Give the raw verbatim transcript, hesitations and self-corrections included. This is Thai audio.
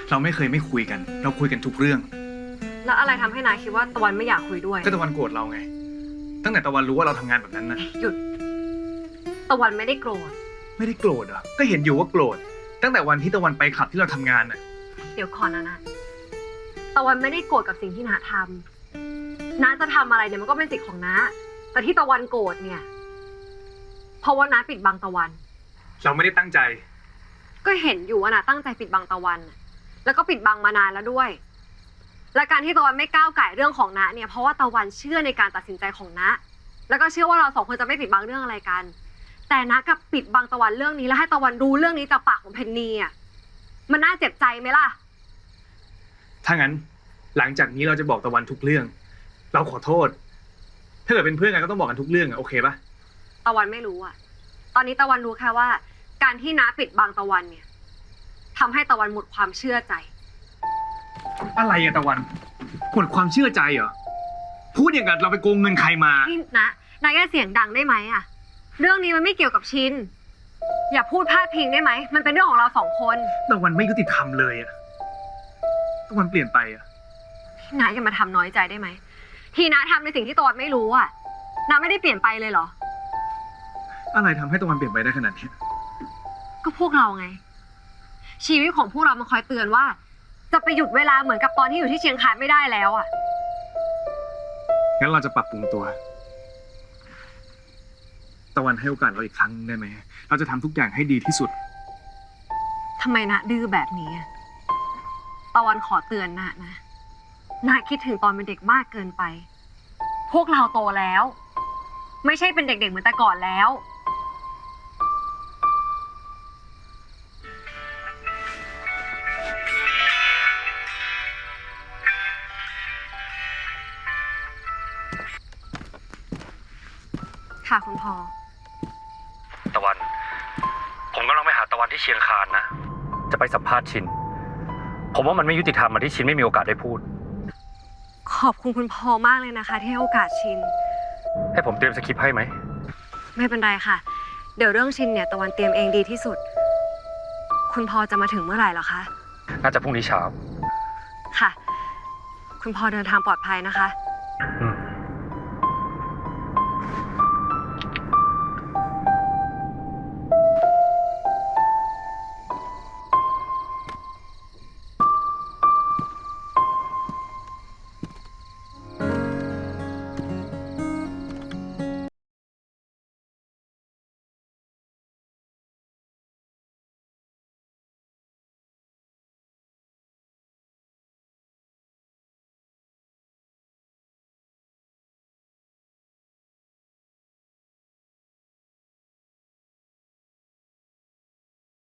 เราไม่เคยไม่คุยกัน เราคุยกันทุกเรื่องแล้วอะไรทำให้นายคิดว่าตะวันไม่อยากคุยด้วยก็ตะวันโกรธเราไง ตั้งแต่ตะวันรู้ว่าเราทำงานแบบนั้นนะหยุด ตะวันไม่ได้โกรธไม่ได้โกรธเหรอ ก็เห็นอยู่ว่าโกรธ ตั้งแต่วันที่ตะวันไปคลับที่เราทำงานน่ะเดี๋ยวก่อนนะนะตะวันไม่ได้โกรธกับสิ่งที่น้าทำน้าจะทำอะไรเนี่ยมันก็เป็นสิทธิ์ของน้า แต่ที่ตะวันโกรธเนี่ย เพราะว่าน้าปิดบังตะวันเราไม่ได้ตั้งใจก็เห็นอยู่ว่าน้าตั้งใจปิดบังตะวันน่ะแล้วก็ปิดบังมานานแล้วด้วย และการที่ตะวันไม่ก้าวไก่เรื่องของน้าเนี่ยเพราะว่าตะวันเชื่อในการตัดสินใจของน้าแล้วก็เชื่อว่าเราสองคนจะไม่ปิดบังเรื่องอะไรกัน แต่น้ากับปิดบังตะวันเรื่องนี้แล้วให้ตะวันรู้เรื่องนี้จากปากของเพนนีอ่ะมันน่าเจ็บใจไหมล่ะถ้างั้นหลังจากนี้เราจะบอกตะวันทุกเรื่อง เราขอโทษ ถ้าเกิดเป็นเพื่อนกันก็ต้องบอกกันทุกเรื่องอะโอเคปะตะวันไม่รู้อ่ะ ตอนนี้ตะวันรู้แค่ว่า การที่น้าปิดบังตะวันเนี่ยทำให้ตะวันหมดความเชื่อใจอะไรอะตะวันหมดความเชื่อใจเหรอ พูดอย่างกับเราไปโกงเงินใครมานี่นะนายแค่เสียงดังได้ไหมอ่ะ เรื่องนี้มันไม่เกี่ยวกับชิน อย่าพูดพาดพิงได้ไหม มันเป็นเรื่องของเราสองคนตะวันไม่ยุติธรรมเลยอะตะวันเปลี่ยนไปอะนายอย่ามาทำน้อยใจได้ไหม ที่น้าทำในสิ่งที่ตะวันไม่รู้อ่ะน้าไม่ได้เปลี่ยนไปเลยเหรออะไรทำให้ตะวันเปลี่ยนไปได้ขนาดนี้ก็พวกเราไง ชีวิตของพวกเรามันคอยเตือนว่า จะไปหยุดเวลาเหมือนกับตอนที่อยู่ที่เชียงคานไม่ได้แล้วอ่ะงั้นเราจะปรับปรุงตัว ตะวันให้โอกาสเราอีกครั้งได้ไหม เราจะทำทุกอย่างให้ดีที่สุดทำไมนะดื้อแบบนี้อะตะวันขอเตือนนะนะนาคิดถึงตอนเป็นเด็กมากเกินไป พวกเราโตแล้ว ไม่ใช่เป็นเด็กๆเหมือนแต่ก่อนแล้ว ค่ะคุณพ่อตะวัน ผมกำลังไปหาตะวันที่เชียงคานนะ จะไปสัมภาษณ์ชิน ผมว่ามันไม่ยุติธรรมอะที่ชินไม่มีโอกาสได้พูดขอบคุณคุณพ่อมากเลยนะคะ ที่ให้โอกาสชินให้ผมเตรียมสคริปต์ให้ไหมไม่เป็นไรค่ะ เดี๋ยวเรื่องชินเนี่ยตะวันเตรียมเองดีที่สุด คุณพ่อจะมาถึงเมื่อไหร่เหรอคะน่าจะพรุ่งนี้เช้าค่ะ คุณพ่อเดินทางปลอดภัยนะคะอืม